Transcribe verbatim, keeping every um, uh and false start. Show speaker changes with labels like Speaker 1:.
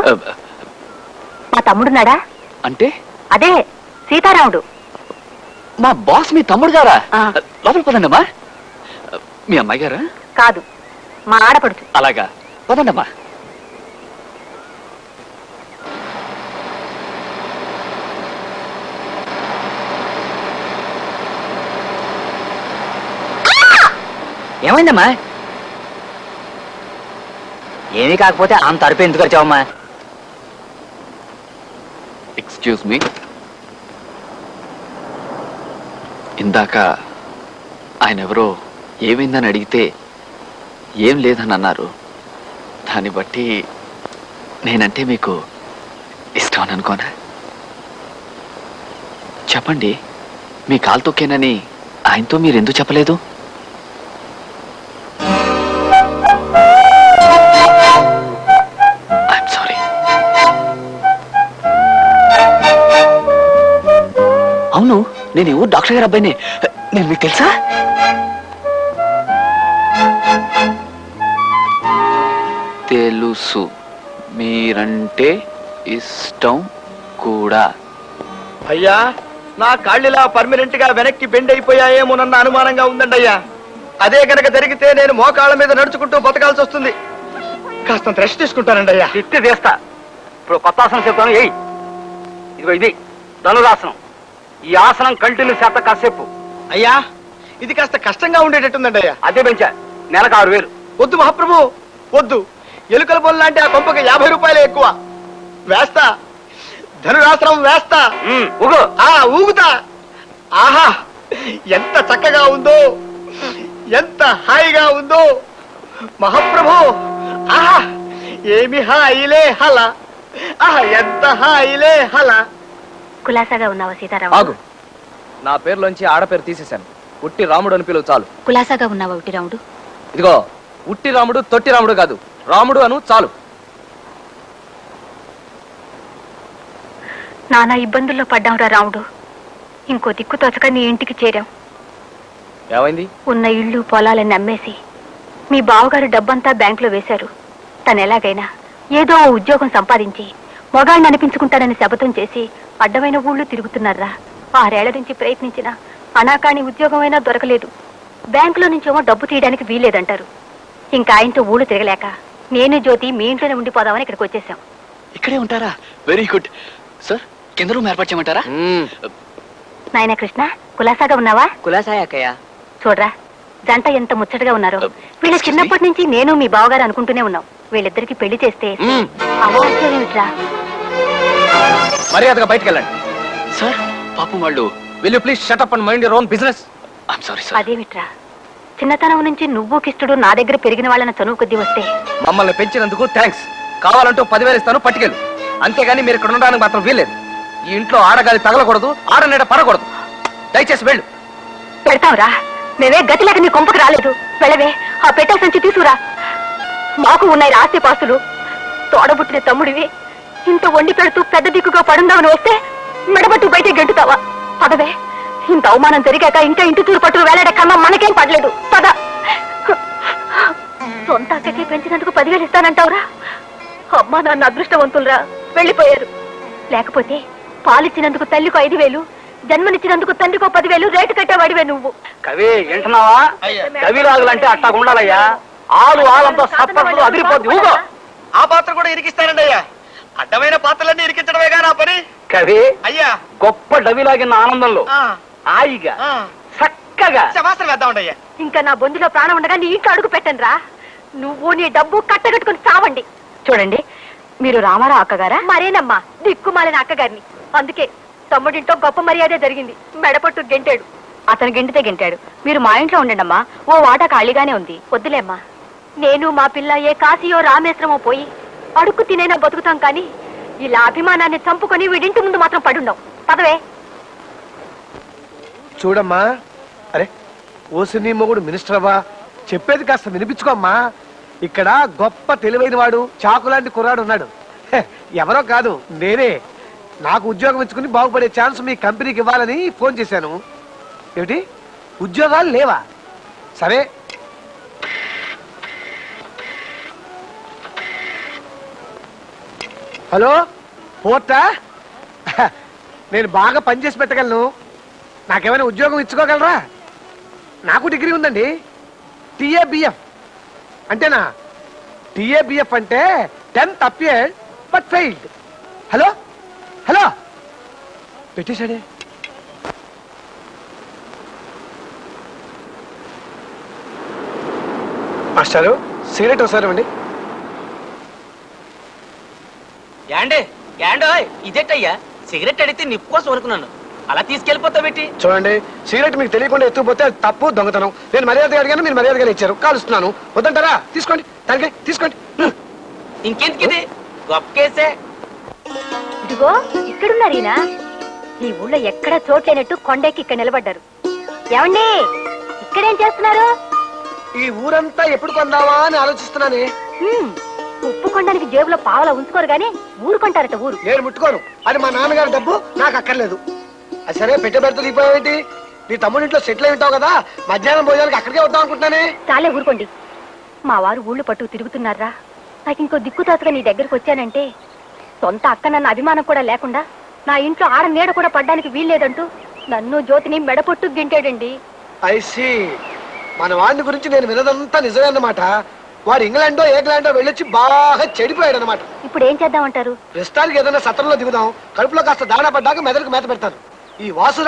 Speaker 1: మా తమ్ముడున్నాడా?
Speaker 2: అంటే
Speaker 1: అదే సీతారాముడు.
Speaker 2: మా బాస్ మీ తమ్ముడు గారా? లోపల పదండమ్మా. మీ అమ్మాయి గారా?
Speaker 1: కాదు, మా ఆడపడుచు.
Speaker 2: అలాగా, పదండమ్మా.
Speaker 3: ఏమైందమ్మా? ఏమీ కాకపోతే అంత అరుపు ఎందుకు వచ్చావమ్మా?
Speaker 2: ఎక్స్క్యూజ్ మీ, ఇందాక ఆయన ఎవరో ఏమైందని అడిగితే ఏం లేదని అన్నారు. దాన్ని బట్టి నేనంటే మీకు ఇష్టం అని అనుకోనా? చెప్పండి, మీ కాలు తొక్కేనని ఆయనతో మీరు ఎందుకు చెప్పలేదు? అవును, నేను ఎవరు డాక్టర్ గారు అబ్బాయిని. నేను మీకు తెలుసా? తెలుసు, మీరంటే ఇష్టం కూడా.
Speaker 4: అయ్యా, నా కాళ్ళిలా పర్మనెంట్ గా వెనక్కి బెండ్ అయిపోయాయేమోనన్న అనుమానంగా ఉందండి అయ్యా. అదే గనక జరిగితే నేను మోకాళ్ళ మీద నడుచుకుంటూ బతకాల్సి వస్తుంది. కాస్త రెస్ట్ తీసుకుంటానండి అయ్యా.
Speaker 3: తిట్టి తీస్తా. ఇప్పుడు కొత్త ఆసనం చెప్తాను. ఏయ్, ఇదిగో ఇది ధనురాసనం. ఈ ఆసనం కంటిన్యూ చేత కాసేపు.
Speaker 4: అయ్యా, ఇది కాస్త కష్టంగా ఉండేటట్టుందండి అయ్యా.
Speaker 3: అదే పెంచా, నెలకు ఆరు వేలు.
Speaker 4: వద్దు మహాప్రభు, వద్దు. ఎలుకల పొల లాంటి ఆ కొంపకి యాభై రూపాయలే ఎక్కువ. వేస్తా, ధనురాసనం వేస్తా.
Speaker 3: ఊగు.
Speaker 4: ఆ ఊగుతా. ఆహా, ఎంత చక్కగా ఉందో, ఎంత హాయిగా ఉందో మహాప్రభు. ఆహా, ఏమి హాయిలే హల. ఆహా, ఎంత హాయిలే హల.
Speaker 1: కులాసాగా ఉన్నావా సీతారాము?
Speaker 5: ఆగు, నా పేరులోంచి ఆడపేరు తీసేశాను. ఉట్టి రాముడు అని పిలువు చాలు.
Speaker 1: కులాసాగా ఉన్నావా ఉట్టి రాముడు?
Speaker 5: ఇదిగో, ఉట్టి రాముడు తొట్టి రాముడు కాదు, రాముడు అను చాలు.
Speaker 1: నానా ఇబ్బందుల్లో పడ్డాంరా రాముడు. ఇంకో దిక్కు తోచక నీ ఇంటికి చేరాం.
Speaker 5: ఏమైంది?
Speaker 1: ఉన్న ఇళ్ళు పొలాలని అమ్మేసి మీ బావగారు డబ్బంతా బ్యాంకులో వేశారు. తను ఎలాగైనా ఏదో ఉద్యోగం సంపాదించి మొగాళ్ళని అనిపించుకుంటాడని శపథం చేసి అడ్డమైన ఊళ్ళు తిరుగుతున్నారా. ఆరేళ్ల నుంచి ప్రయత్నించిన అనాకాని ఉద్యోగమైనా దొరకలేదు. బ్యాంకులో నుంచేమో డబ్బు తీయడానికి వీల్లేదంటారు. ఇంకా ఆయనతో ఊళ్ళు తిరగలేక నేను జ్యోతి మీ ఇంట్లోనే ఉండిపోదామని ఇక్కడికి వచ్చేసాం.
Speaker 2: ఇక్కడే ఉంటారా? Very good sir. కింద రూమ్ ఏర్పాటు చేయమంటారా?
Speaker 1: నాయన కృష్ణ, కులాసాగా ఉన్నావా?
Speaker 3: కులాసాయక్కయ్య.
Speaker 1: చూడరా, జంట ఎంత ముచ్చటగా ఉన్నారో. వీళ్ళ చిన్నప్పటి నుంచి నేను మీ బావగారు అనుకుంటూనే ఉన్నాం. వీళ్ళిద్దరికి పెళ్లి చేస్తే అవాచ్యమేమిట్రా?
Speaker 5: మర్యాదగా బయటకు వెళ్ళండి.
Speaker 2: సార్, పాపం వాళ్ళు.
Speaker 5: Will you please shut up and mind your own business.
Speaker 2: I'm sorry sir.
Speaker 1: అదేమిట్రా, చిన్నతనం నుంచి నువ్వు కిష్టుడు నా దగ్గర పెరిగిన వాళ్ళని చనువు కొద్దీ వస్తే
Speaker 5: మమ్మల్ని పెంచినందుకు థ్యాంక్స్. కావాలంటూ పదివేలు ఇస్తాను, పట్టుకెళ్ళు. అంతేగాని మీరు ఇక్కడ ఉండడానికి మాత్రం వీల్లేదు. ఈ ఇంట్లో ఆడగాలి తగలకూడదు, ఆడనీడ పడకూడదు. దయచేసి వెళ్ళు.
Speaker 1: పెడతావురా, మేమే గతి లేక నీ కొంపకు రాలేదు. వెళ్ళవే, ఆ పెట్టె సంచి తీసుకురా. మాకు ఉన్నాయి ఆస్తి పాస్తులు. తోడబుట్టిన తమ్ముడివి, ఇంత వండి పెడుతూ పెద్ద దిక్కుగా పడుందామని వస్తే మెడబట్టు బయట గెంటుతావా? పదవే, ఇంత అవమానం జరిగాక ఇంకా ఇంటి తూరు పట్టు వేలాడే కన్నా మనకేం పడలేదు. పద. సొంత అక్కకి పెంచినందుకు పదివేలు ఇస్తానంటావురా? అమ్మా నాన్న అదృష్టవంతులరా, వెళ్ళిపోయారు. లేకపోతే పాలిచ్చినందుకు తల్లికో ఐదు వేలు, జన్మనిచ్చినందుకు తండ్రికో పదివేలు రేటు కట్టేవాడివే నువ్వు.
Speaker 3: కవి వింటున్నావా? కవిరాజులంటే అట్టా ఉండాలయ్యా. ఆలు ఆలంతో సత్పరులు అదిరిపోద్ది. ఊగో.
Speaker 4: ఆ పాత్ర కూడా ఇరికిస్తానండి అయ్యా. అడ్డమైన పాత్రలన్నీ ఇరికించడమేగా నా పని.
Speaker 3: కవి
Speaker 4: అయ్యా,
Speaker 3: గొప్ప డవిలాగిన ఆనందంలో హాయిగా చక్కగా
Speaker 4: శవాసన వేద్దామండి అయ్యా.
Speaker 1: ఇంకా నా బొందిలో ప్రాణం ఉండగా నీ ఇంట్లో అడుగు పెట్టను రా. నువ్వు నీ డబ్బు కట్టగట్టుకుని చావండి. చూడండి, మీరు రామారావు అక్కగారా? మరేనమ్మా, దిక్కుమాలిన అక్కగారిని. అందుకే తమ్ముడింటో గొప్ప మర్యాదే జరిగింది. మెడపట్టు గెంటాడు. అతను గెంటితే గెంటాడు. మీరు మా ఇంట్లో ఉండండమ్మా, ఓ వాటా ఖాళీగానే ఉంది. వద్దులేమ్మా, నేను మా పిల్ల ఏ కాశీయో రామేశ్వరమో పోయి అడుక్కు తినైనా బతుకుతాం. కానీ ఇలా అభిమానాన్ని చంపుకొని వీడింటి ముందు మాత్రం పడుండం. పదవే.
Speaker 6: చూడమ్మా, అరే ఓసిని మొగుడు మినిస్టర్ అవ్వా, చెప్పేది కాస్త వినిపించుకోమ్మా. ఇక్కడ గొప్ప తెలివైన వాడు, చాకులాంటి కుర్రాడు ఉన్నాడు. ఎవరో కాదు, నేనే. నాకు ఉద్యోగం ఇచ్చుకుని బాగుపడే ఛాన్స్ మీ కంపెనీకి ఇవ్వాలని ఫోన్ చేశాను. ఏమిటి, ఉద్యోగాలు లేవా? సరే, హలో పోర్టా నేను బాగా పనిచేసి పెట్టగలను. నాకేమైనా ఉద్యోగం ఇచ్చుకోగలరా? నాకు డిగ్రీ ఉందండి. టిఏబిఎఫ్ అంటేనా? టిఏబిఎఫ్ అంటే tenth appeared but failed. Hello hello పెట్టేశాడే. మాస్టారు సిగరెట్ ఒకసారి ఇవ్వండి.
Speaker 7: యాండే యాండో ఇదేటయ్యా సిగరెట్ అడిగితే నిప్పు కోసం అనుకున్నాను, అలా తీసుకెళ్ళిపోతావు పెట్టి.
Speaker 6: చూడండి, సిగరెట్ మీకు తెలియకుండా ఎత్తుకుపోతే అది తప్పు, దొంగతనం. నేను మర్యాదగా అడిగాను, మీరు మర్యాదగా ఇచ్చారు. కాలుస్తున్నాను. వద్దంటారా? తీసుకోండి, తనకి తీసుకోండి.
Speaker 7: ఇంకెందుకు ఇది గొప్ప కేసే.
Speaker 1: ఇదిగో ఇక్కడున్నారు ఈయన. ఈ ఊళ్ళో ఎక్కడా చోట్లేనట్టు కొండెక్కి ఇక్కడ నిలబడ్డారు. ఏమండి, ఇక్కడేం చేస్తున్నారు?
Speaker 6: ఈ ఊరంతా ఎప్పుడు కొందావా అని ఆలోచిస్తున్నానే.
Speaker 1: హ్మ్, ఉప్పు కొండానికి జేబులో పావలా ఉంచుకోరు గానీ ఊరు కొంటారట ఊరు.
Speaker 6: నేను ముట్టుకోను. అది మా నాన్నగారి డబ్బు, నాకు అక్కర్లేదు. అది సరే, పెట్టే పెడతా దిగిపోయావేంటి? నీ తమ్ముడి ఇంట్లో సెటిల్ అయి ఉంటావు కదా, మధ్యాహ్నం భోజనానికి అక్కడికే వద్దాం అనుకుంటున్నానే.
Speaker 1: చాలే ఊరుకోండి. మా వారు ఊళ్ళు పట్టు తిరుగుతున్నారా? నాకు ఇంకో దిక్కుతాతుగా నీ దగ్గరకు వచ్చానంటే సొంత అక్క నన్న అభిమానం కూడా లేకుండా నా ఇంట్లో ఆడ నీడ కూడా పడ్డానికి వీల్లేదంటూ నన్ను జ్యోతిని మెడపొట్టు గింటాడండి.
Speaker 6: ఐసి మన వాడిని గురించి నేను వినదంతా నిజమే అన్నమాట. వాడు ఇంగ్లాండో ఇంగ్లాండో వెళ్ళొచ్చి బాగా చెడిపోయాడు అనమాట.
Speaker 1: ఇప్పుడు ఏం చేద్దామంటారు?
Speaker 6: ప్రస్తుతానికి ఏదైనా సత్రంలో దిగుదాం. కడుపులో కాస్త దాణా పడ్డాక మెదడుకు మేత పెడతాను. ఈ వాసు